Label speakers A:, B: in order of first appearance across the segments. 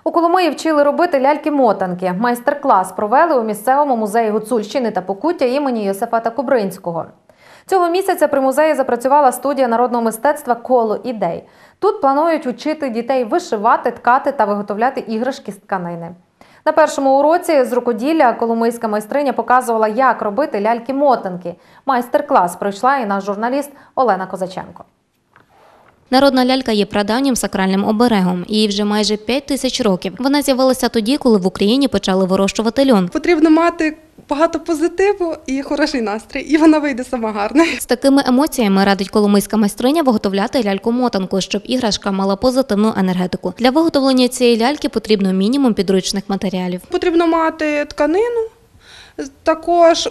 A: У Коломиї вчили робити ляльки-мотанки. Майстер-клас провели у місцевому музеї Гуцульщини та Покуття імені Йосифата Кубринського. Цього місяця при музеї запрацювала студія народного мистецтва «Коло ідей». Тут планують учити дітей вишивати, ткати та виготовляти іграшки з тканини. На першому уроці з рукоділля коломийська майстриня показувала, як робити ляльки-мотанки. Майстер-клас пройшла і наш журналіст Олена Козаченко.
B: Народна лялька є прадавнім сакральним оберегом. Їй вже майже 5000 років. Вона з'явилася тоді, коли в Україні почали вирощувати льон.
C: Потрібно мати багато позитиву і хороший настрій, і вона вийде сама гарна.
B: З такими емоціями радить коломийська майстриня виготовляти ляльку-мотанку, щоб іграшка мала позитивну енергетику. Для виготовлення цієї ляльки потрібно мінімум підручних матеріалів.
C: Потрібно мати тканину, також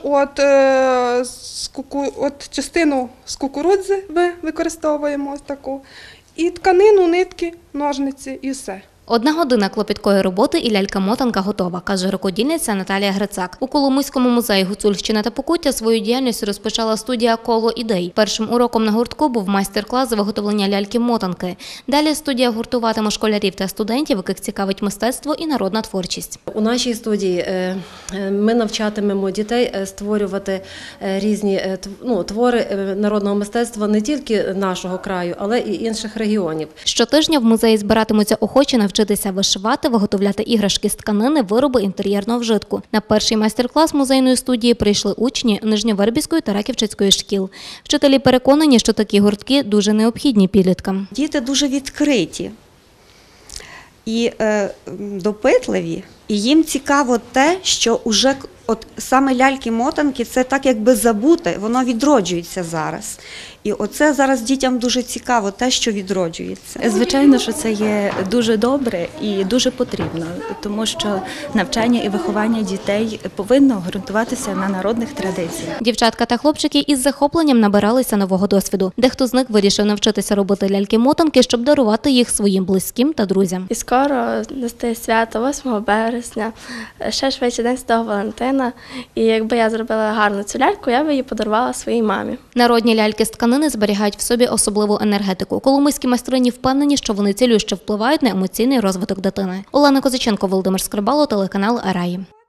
C: частину з кукурудзи використовуємо ось таку, і тканину, нитки, ножниці і все.
B: 1 година клопіткої роботи і лялька-мотанка готова, каже рукодільниця Наталія Грицак. У Коломийському музеї Гуцульщини та Покуття свою діяльність розпочала студія «Коло ідей». Першим уроком на гуртку був майстер-клас з виготовлення ляльки-мотанки. Далі студія гуртуватиме школярів та студентів, яких цікавить мистецтво і народна творчість.
D: У нашій студії ми навчатимемо дітей створювати різні твори народного мистецтва не тільки нашого краю, але і інших регіонів.
B: Щотижня в музеї збиратимуться охочі навчитися вишивати, виготовляти іграшки з тканини, вироби інтер'єрного вжитку. На перший майстер-клас музейної студії прийшли учні Нижньовербівської та Раківчицької шкіл. Вчителі переконані, що такі гуртки дуже необхідні підліткам.
E: Діти дуже відкриті і допитливі, і їм цікаво те, що вже саме ляльки-мотанки – це так якби забуте, воно відроджується зараз. І оце зараз дітям дуже цікаво, те, що відроджується.
F: Звичайно, що це є дуже добре і дуже потрібно, тому що навчання і виховання дітей повинно ґрунтуватися на народних традиціях.
B: Дівчатка та хлопчики із захопленням набиралися нового досвіду. Дехто з них вирішив навчитися робити ляльки-мотанки, щоб дарувати їх своїм близьким та друзям.
G: І скоро настає свято 8 березня, ще швидше День Святого Валентина. І якби я зробила гарну цю ляльку, я б її подарувала своїй мамі.
B: Народні ляльки з тканини зберігають в собі особливу енергетику. Коломийські майстрині впевнені, що вони цілюще впливають на емоційний розвиток дитини. Олена Козаченко, Володимир Скрибало, телеканал Араї.